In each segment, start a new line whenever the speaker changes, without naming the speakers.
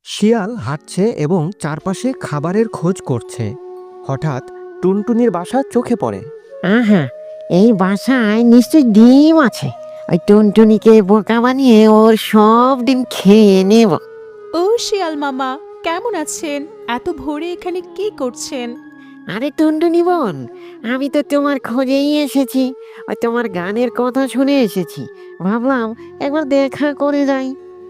শিয়াল হাঁটছে এবং চারপাশে খাবারের খোঁজ করছে। হঠাৎ টুনটুনির বাসা চোখে পড়ে।
আহা, এই বাসায় নিশ্চয়ই ডিম আছে। ওই টুনটুনিকে বোকা বানিয়ে ওর সব ডিম খেয়ে নেব।
ও শিয়াল মামা, কেমন আছেন? এত ভোরে এখানে কি করছেন?
আরে টুনটুনি বোন, আমি তো তোমার খোঁজেই এসেছি। ওই তোমার গানের কথা শুনে এসেছি, ভাবলাম একবার দেখা করে যাই।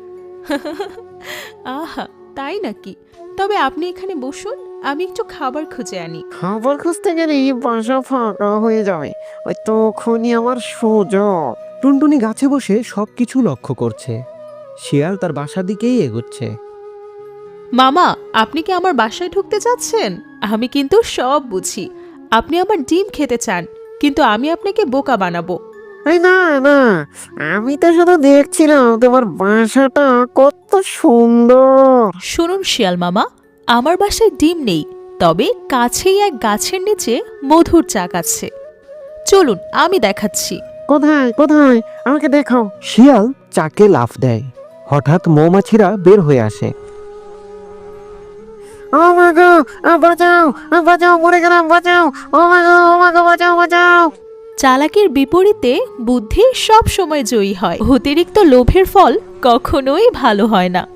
আহা, তাই নাকি? তবে আপনি এখানে বসুন, আমি একটু খাবার খুঁজে আনি।
খবর খুঁজতে গেলেই বাসা ফাঁকা হয়ে যাবে, ওই তখনই আমার সুযোগ।
টুনটুনি গাছে বসে সবকিছু লক্ষ্য করছে। শিয়াল তার বাসার দিকেই এগোচ্ছে।
মামা, আপনি কি আমার বাসায় ঢুকতে যাচ্ছেন? আমি কিন্তু সব বুঝি। আপনি আমার ডিম খেতে চান, কিন্তু আমি আপনাকে বোকা বানাবো।
এই না না, আমি তো শুধু দেখছিলাম তোমার বাসাটা কত সুন্দর।
শুনুন শিয়াল মামা, আমার বাসায় ডিম নেই, তবে কাছেই এক গাছের নিচে মধুর চাক আছে। চলুন, আমি দেখাচ্ছি।
কোথায় কোথায়, আমাকে দেখাও।
শিয়াল চাকে লাফ দেয়। হঠাৎ মৌমাছিরা বের হয়ে আসে।
ও মা গো, বাঁচাও, বাঁচাও, মরে গেলাম, বাঁচাও। ও মা গো, ও মা গো, বাঁচাও, বাঁচাও।
চালাকির বিপরীতে বুদ্ধি সব সময় জয়ী হয়। অতিরিক্ত লোভের ফল কখনোই ভালো হয় না।